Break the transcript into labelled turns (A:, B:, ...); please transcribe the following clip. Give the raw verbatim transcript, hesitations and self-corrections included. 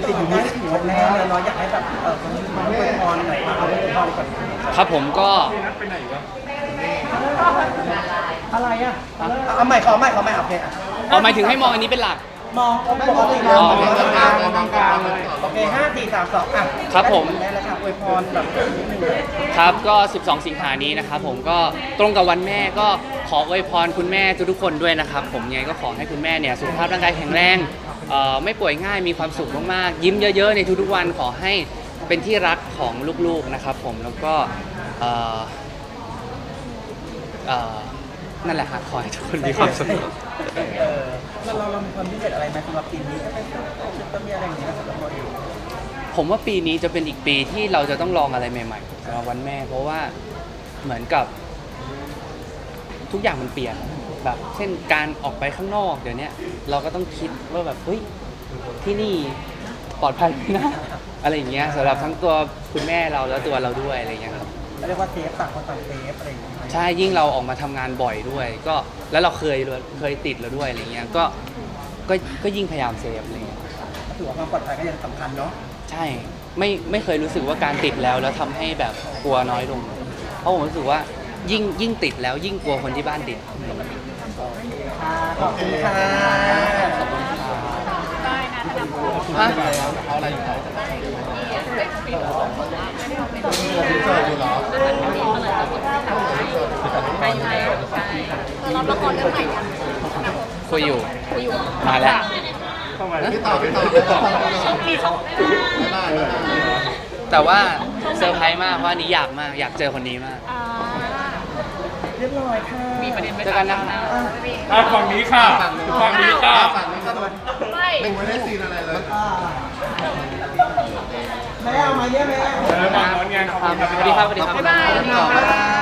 A: ติดอยู่นี่ถือว่าแน่เลยเราอยากให้แบบเออคนที่มาอวยพรหน่อยเอาไว้อวยพรก่อน
B: ครับผมก็
A: อะไรอ่ะเอาใหม่ขอใหม่ขอใหม่โอเคอ่ะ
B: เอาหมายถึงให้มองอันนี้เป็นหลัก
A: มองปกติมองมองกลางมองกลางเลยโอเคห้าสี่สามสองอ่ะ
B: ครับผม
A: ได้แล้วครับอวยพรแบบนิดนึงเลย
B: ครับก็ สิบสอง สิงหานี้นะครับผมก็ตรงกับวันแม่ก็ขออวยพรคุณแม่ทุกๆคนด้วยนะครับผมยังไงก็ขอให้คุณแม่เนี่ยสุขภาพร่างกายแข็งแรงเอ่อไม่ป่วยง่ายมีความสุขมากๆยิ้มเยอะๆในทุกๆวันขอให้เป็นที่รักของลูกๆนะครับผมแล้วก็เอ่อเอ่อนั่นแหละครับขอให้ทุกคนมีความสุข
A: เออเราเราเรามีความพิเศษอะไรไหมสำหรับปีนี้ก็เป็นต้องมีอะไรอย่างเงี้ยสำหรับเราเอง
B: ผมว่าปีนี้จะเป็นอีกปีที่เราจะต้องลองอะไรใหม่ๆสำหรับวันแม่ เพราะว่าเหมือนกับทุกอย่างมันเปลี่ยนแบบเช่นการออกไปข้างนอกเดี๋ยวนี้เราก็ต้องคิดว่าแบบเฮ้ยที่นี่ปลอดภัยไหมนะอะไรอย่างเงี้ยสำหรับทั้งตัวคุณแม่เราแล้วตัวเราด้วยอะไรอย่างเงี้ยครับ
A: เรียกว่าเซฟต่างคนต่างเซฟอะไรอย่างเงี้ย
B: ใช่ยิ่งเราออกมาทำงานบ่อยด้วย ก็แล้วเราเคยเคยติดแล้วด้วยอะไรเงี้ยก็ก็ก็ยิ่งพยายามเซฟอะไรเงี้ย
A: ถือว่าความปลอดภัยก็ยังสำคัญเนาะ
B: ใช่ไม่ไม่เคยรู้สึกว่าการติดแล้วแล้วทำให้แบบกลัวน้อยลงเพราะผมรู้สึกว่ายิ่งยิ่งติดแล้วยิ่งกลัวคนที่บ้านติด
A: ค่ะขอบคุณค่ะ
B: ฮะ
C: เอาอะไรอยู่ไหนใช่ใช่เราละครเรื่องใหม่กัน
B: คุยอยู่
C: คุยอยู่
B: มาแล้ว
C: พี่ต่อพี่ต่อพี่ต่อมีสองได้
B: แต่ว่าเซอร์ไพรส์มากเพราะอันนี้อยากมากอยากเจอคนนี้มาก
A: เรียบร้อยค่ะมีประเด็น
B: เจอกันนะคะ
D: อ่ะฝั่งนี้ค่ะฝั่งนี้ค่ะ
C: ฝั่งนี้ก็โดน
E: ไม่
C: ไม่ได้ซีนอะไรเลย
A: แม่เอามาเยอะแม่
D: เออฝั่งโน้นไงขอบคุณครับ
B: สวัสดีครับสวัสดีครับ
E: บ๊ายบาย